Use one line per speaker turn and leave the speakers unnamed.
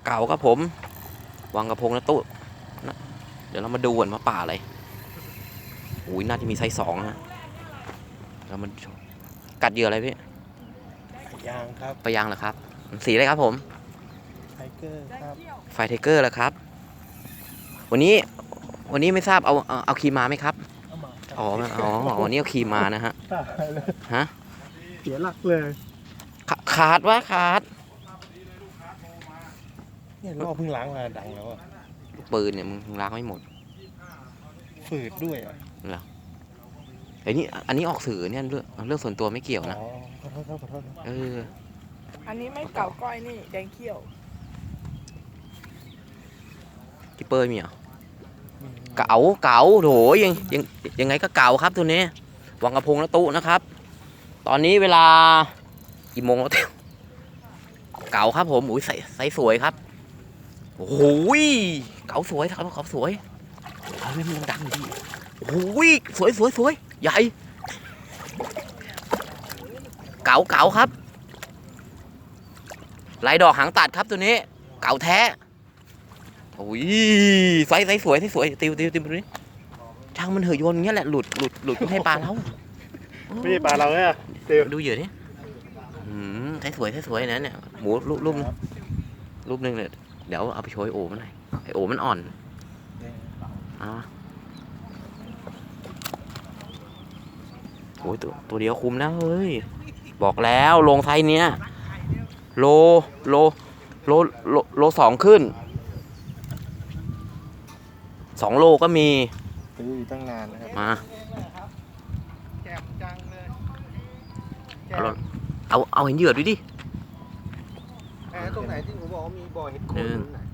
เก๋าครับผมวังกระพงนะตู้นะเดี๋ยวเรามาดูกันว่าปลาอะไรอุ้ยน่าจะมีไซส์2นะเรามากัดเหยื่ออะไรพี่
ยางครับ
ปลายางเหรอครับสีอะไรครับผม
ไทเกอร์ครับ
ไฟไทเกอร์เหรอครับวันนี้ไม่ทราบเอาครีมมาไหมครับอ๋อวันนี้เอาครีมมานะฮะ
ตายเลย
ฮะ
เสียหลักเลย
ขาด
เนี่ยรอบเพิ่งล้างมาดังแล้วอ่ะ
ลูกปืนเนี่ยมึงล้างไม่หมด
ฝืดด้วยอ่ะ
เหรอไอ้นี่อันนี้ออกสื่อเนี่ยเรื่องส่วนตัวไม่เกี่ยวนะ
ขอโทษครับขอโทษ
อันนี้ไม่เก่าก้อยนี่แดงเขี้ยว
กิปเปอร์มีเหรอเก๋าโถยังไงก็เก๋าครับตัวนี้วังกระพงและตู้นะครับตอนนี้เวลากี่โมงแล้วเก๋าครับผมอุ้ยใส่สวยครับโอ้โหเก๋าสวยครับเขาสวยเฮ้ยมันดังดีโอ้โหสวยใหญ่เก๋าครับลายดอกหางตัดครับตัวนี้เก๋าแท้โอ้ยไซส์สวยติวตัวนี้ช่างมันเหยโยนอย่างเงี้ยแหละหลุดไม่ให้ปลาเรา
ไม่ใช่ปลาเราเนี่ย
ดูเหยื่อนี่ไซส์สวยนะเนี่ยหมูรูปนึงเนี่ยเดี๋ยวเอาไปโชยโอมันหน่อยไอโอมันอ่อนโอ้ยตัวเดียวคุมนะเฮ้ยบอกแล้วลงไซส์เนี้ยโล2ขึ้น2 โลก็มี
ซื้อตั้งนานนะครับ
มา
แจ่มจังเลย
เอาเห็นเหยื่อดูดิ
ตรงไหนที่ผมบอกว่ามีบ่อเห็ดโคน